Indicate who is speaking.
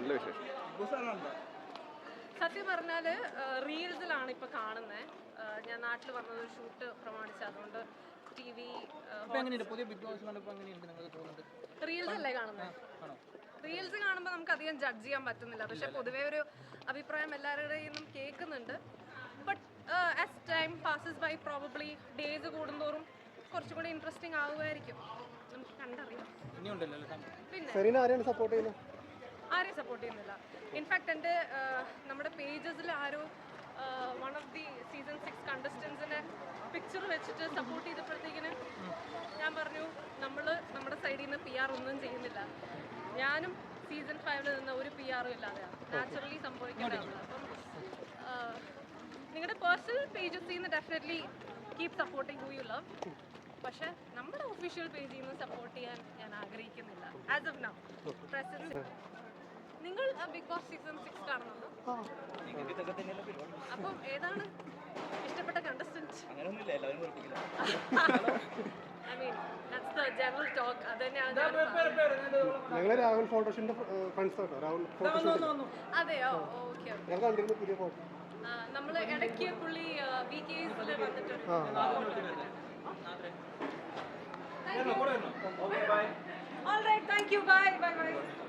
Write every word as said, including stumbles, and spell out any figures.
Speaker 1: നല്ല വിശേഷം.
Speaker 2: സത്യം പറഞ്ഞാൽ റീൽസിലാണ് ഇപ്പോൾ കാണുന്നത്. ഞാൻ നാട്ടിൽ വന്നത് ഷൂട്ട് പ്രമാണിച്ച്, അതുകൊണ്ട് ടി വി റീൽസ് അല്ലേ കാണുന്നത്. റീൽസ് കാണുമ്പോൾ നമുക്ക് അധികം ജഡ്ജ് ചെയ്യാൻ പറ്റുന്നില്ല. പക്ഷെ പൊതുവേ ഒരു അഭിപ്രായം എല്ലാവരുടെയും നിന്നും കേൾക്കുന്നുണ്ട്. But as time passes by probably days കൂടുന്തോറും കുറച്ചും കൂടി ഇൻട്രസ്റ്റിംഗ് ആവുമായിരിക്കും. നമുക്ക് കണ്ടറിയാം. പിന്നെ ആരെയും സപ്പോർട്ട് ചെയ്യുന്നില്ല. ഇൻഫാക്ട് എൻ്റെ നമ്മുടെ പേജസിൽ ആരോ one of the season six കണ്ടസ്റ്റൻസിൻ്റെ പിക്ചർ വെച്ചിട്ട് സപ്പോർട്ട് ചെയ്തപ്പോഴത്തേക്കിന് ഞാൻ പറഞ്ഞു, നമ്മൾ നമ്മുടെ സൈഡിൽ നിന്ന് പി ആർ ഒന്നും ചെയ്യുന്നില്ല. ഞാനും സീസൺ ഫൈവിൽ നിന്ന് ഒരു പി ആറും ഇല്ലാതെയാണ് നാച്ചുറലി സംഭവിക്കേണ്ടതാണ്. അപ്പം നിങ്ങളുടെ പേഴ്സണൽ പേജസിൽ നിന്ന് definitely keep supporting who you love. പക്ഷെ നമ്മുടെ ഒഫീഷ്യൽ പേജിൽ നിന്ന് സപ്പോർട്ട് ചെയ്യാൻ ഞാൻ ആഗ്രഹിക്കുന്നില്ല ആസ് ഓഫ് നൗ പ്രസന്റ്. നിങ്ങൾ ബിഗ് ബോസ് സീസൺ സിക്സ് കാണുന്നുണ്ടോ? അപ്പം ഏതാണ് ഇഷ്ടപ്പെട്ട contestant? I mean that's the general talk. അത് തന്നെയാണ്. അതെയോ? ഓക്കെ. നമ്മൾ ഇടയ്ക്ക് പുള്ളി വി കേസിൽ വന്നിട്ട് all right, thank you, bye bye bye.